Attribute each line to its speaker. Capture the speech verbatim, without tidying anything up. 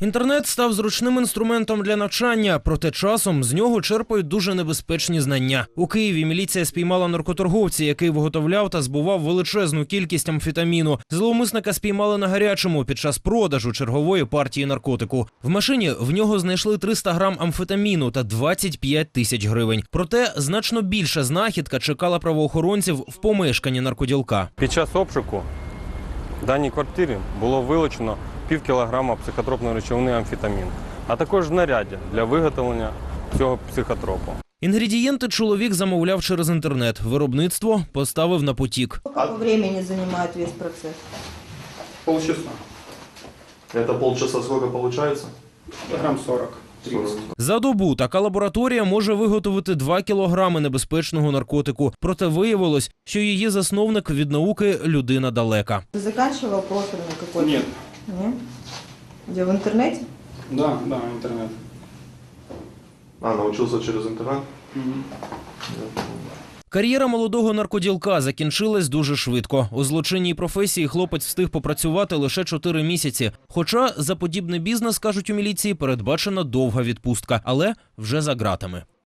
Speaker 1: Інтернет став зручним інструментом для навчання, проте часом з нього черпають дуже небезпечні знання. У Києві міліція спіймала наркоторговця, який виготовляв та збував величезну кількість амфетаміну. Зловмисника спіймали на гарячому під час продажу чергової партії наркотику. В машині в нього знайшли триста грам амфетаміну та двадцять п'ять тисяч гривень. Проте значно більша знахідка чекала правоохоронців в помешканні наркоділка.
Speaker 2: Під час обшуку в даній квартирі було вилучено пів кілограма психотропної речовини амфетамін, а також знаряддя для виготовлення цього психотропу.
Speaker 1: Інгредієнти чоловік замовляв через інтернет. Виробництво поставив на потік.
Speaker 3: Сколько времени занимает весь процесс?
Speaker 4: Полчаса.
Speaker 5: Это полчаса сколько получается?
Speaker 4: Грамм сорок. тридцать.
Speaker 1: За добу така лабораторія може виготовити два кілограми небезпечного наркотику. Проте виявилось, що її засновник від науки людина далека.
Speaker 3: Ты заканчивал профильный какой-то?
Speaker 4: Нет.
Speaker 3: Нет? Где, в интернете?
Speaker 4: Да, да, интернет.
Speaker 5: А, научился через интернет?
Speaker 4: Мгм.
Speaker 1: Кар'єра молодого наркоділка закінчилась дуже швидко. У злочинній професії хлопець встиг попрацювати лише чотири місяці. Хоча за подібний бізнес, кажуть у міліції, передбачена довга відпустка, але вже за ґратами.